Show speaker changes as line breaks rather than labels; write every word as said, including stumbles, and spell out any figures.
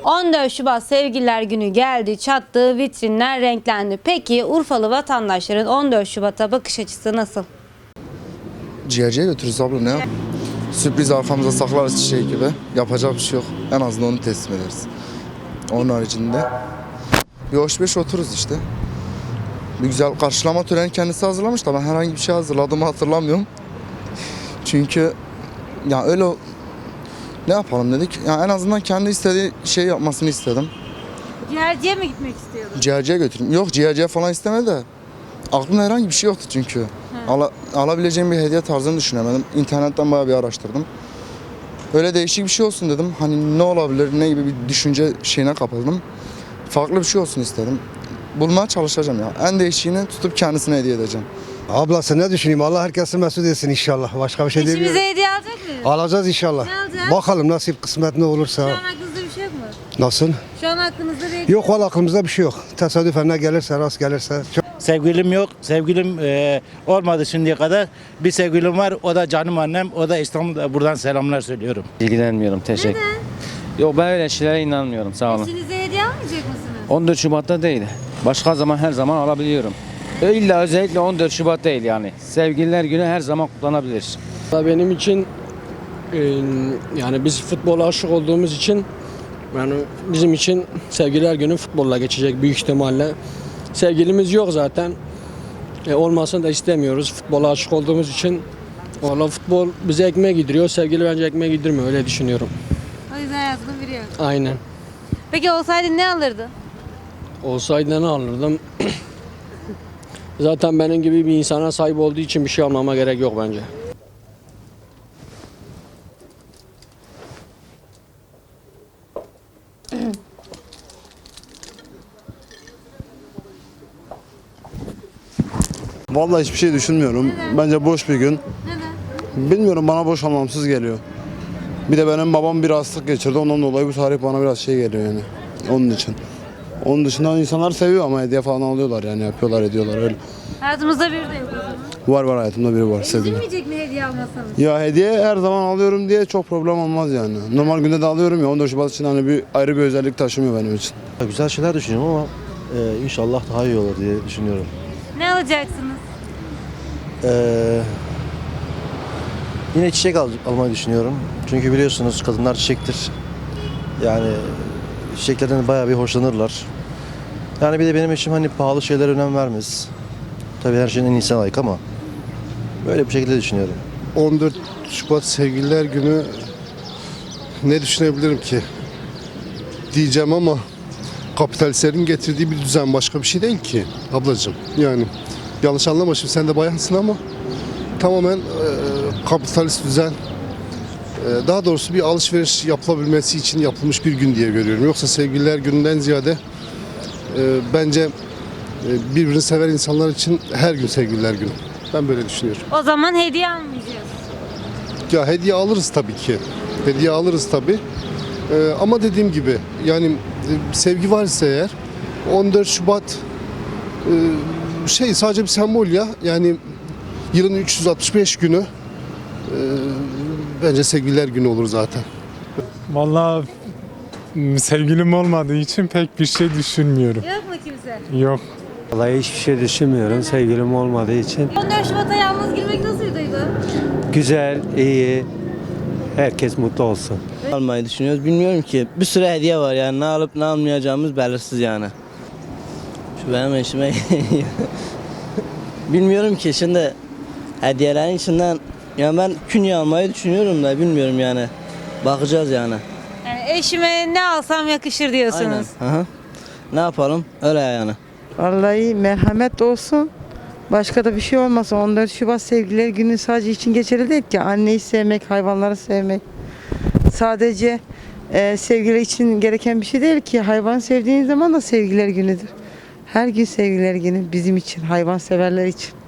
on dört Şubat Sevgililer Günü geldi, çattı, vitrinler renklendi. Peki Urfalı vatandaşların on dört Şubat'a bakış açısı nasıl?
Ciğerciye götürürüz abla, ne yap? Sürpriz arkamıza saklarız çiçeği gibi. Yapacak bir şey yok. En azından onu teslim ederiz. Onun haricinde bir hoş beş otururuz işte. Bir güzel karşılama töreni kendisi hazırlamış da ben herhangi bir şey hazırladığımı hatırlamıyorum. Çünkü ya öyle ne yapalım dedik. Yani en azından kendi istediği şeyi yapmasını istedim.
Ciğerciye mi gitmek istiyordun?
Ciğerciye götüreyim. Yok, ciğerciye falan istemedi de. Aklımda herhangi bir şey yoktu çünkü. Ala, alabileceğim bir hediye tarzını düşünemedim. İnternetten bayağı bir araştırdım. Öyle değişik bir şey olsun dedim. Hani ne olabilir, ne gibi bir düşünce şeyine kapıldım. Farklı bir şey olsun istedim. Bulmaya çalışacağım ya. En değişiğini tutup kendisine hediye edeceğim.
Ablası ne düşüneyim? Allah herkesi mesut etsin inşallah. Başka bir şey demiyorum.
İşimize hediye alacak mıyız?
Alacağız inşallah.
Ne alacağız?
Bakalım nasip kısmet ne olursa.
Şu an aklınızda bir şey yok mu?
Nasıl?
Şu an aklınızda bir
Yok valla aklımızda bir şey yok. Tesadüfen ne gelirse rast gelirse. Çok...
Sevgilim yok. Sevgilim e, olmadı şimdiye kadar. Bir sevgilim var. O da canım annem. O da İstanbul'da. Buradan selamlar söylüyorum.
İlgilenmiyorum. Teşekkür.
Neden?
Yok, ben öyle şeylere inanmıyorum. Sağ olun.
İşinize hediye almayacak mısınız?
on dört Şubat'ta değil. Başka zaman her zaman alabiliyorum. İlla özellikle on dört Şubat değil yani. Sevgililer Günü her zaman kutlanabilir.
Benim için e, yani biz futbola aşık olduğumuz için yani bizim için Sevgililer Günü futbolla geçecek büyük ihtimalle. Sevgilimiz yok zaten. E, olmasını da istemiyoruz. Futbola aşık olduğumuz için. Valla futbol bize ekmeğe gidiyor. Sevgili bence ekmeğe gidirmiyor. Öyle düşünüyorum.
O yüzden hayatında biri yok.
Aynen.
Peki olsaydı ne alırdın?
Olsaydı ne alırdım? Zaten benim gibi bir insana sahip olduğu için bir şey almama gerek yok bence.
Vallahi hiçbir şey düşünmüyorum.
Neden?
Bence boş bir gün.
Neden?
Bilmiyorum, bana boş anlamsız geliyor. Bir de benim babam bir hastalık geçirdi. Ondan dolayı bu tarih bana biraz şey geliyor yani. Onun için. Onun dışında insanlar seviyor ama hediye falan alıyorlar yani, yapıyorlar, ediyorlar öyle.
Hayatımızda biri de yok o zaman.
Var var hayatımda biri var, sevdiğim.
Üzülmeyecek mi hediye almasanız?
Ya hediye her zaman alıyorum diye çok problem olmaz yani. Normal günde de alıyorum ya, on dört Şubat için hani bir ayrı bir özellik taşımıyor benim için.
Güzel şeyler düşünüyorum ama e, inşallah daha iyi olur diye düşünüyorum.
Ne alacaksınız?
E, yine çiçek al, almayı düşünüyorum. Çünkü biliyorsunuz kadınlar çiçektir. Yani çiçeklerden bayağı bir hoşlanırlar. Yani bir de benim eşim hani pahalı şeylere önem vermez. Tabii her şeyin en iyisine layık ama böyle bir şekilde düşünüyorum.
on dört Şubat Sevgililer Günü ne düşünebilirim ki? Diyeceğim ama kapitalistlerin getirdiği bir düzen, başka bir şey değil ki ablacığım. Yani yanlış anlama, şimdi sen de bayansın ama tamamen e, kapitalist düzen, e, daha doğrusu bir alışveriş yapılabilmesi için yapılmış bir gün diye görüyorum. Yoksa Sevgililer Günü'nden ziyade e, bence e, birbirini seven insanlar için her gün Sevgililer Günü. Ben böyle düşünüyorum.
O zaman hediye almayacağız.
Ya hediye alırız tabii ki. Hediye alırız tabii. Ee, ama dediğim gibi yani e, sevgi varsa eğer on dört Şubat e, şey sadece bir sembol ya. Yani yılın üç yüz altmış beş günü e, bence Sevgililer Günü olur zaten.
Vallahi m, sevgilim olmadığı için pek bir şey düşünmüyorum.
Yok mu kimse?
Yok.
Vallahi hiçbir şey düşünmüyorum sevgilim olmadığı için.
on dört Şubat'a yalnız girmek nasıl bir duygu?
Güzel, iyi, herkes mutlu olsun.
Almayı düşünüyoruz. Bilmiyorum ki. Bir sürü hediye var yani. Ne alıp ne almayacağımız belirsiz yani. Şu benim eşime... Bilmiyorum ki şimdi hediyelerin içinden... Yani ben künye almayı düşünüyorum da bilmiyorum yani. Bakacağız yani.
Yani eşime ne alsam yakışır diyorsunuz.
Aynen. Hı-hı. Ne yapalım? Öyle yani.
Vallahi merhamet olsun. Başka da bir şey olmasın. on dört Şubat Sevgililer Günü sadece için geçerli değil ki. Anneyi sevmek, hayvanları sevmek. Sadece e, sevgiler için gereken bir şey değil ki. Hayvan sevdiğin zaman da Sevgililer Günü'dür. Her gün Sevgililer Günü bizim için, hayvan severler için.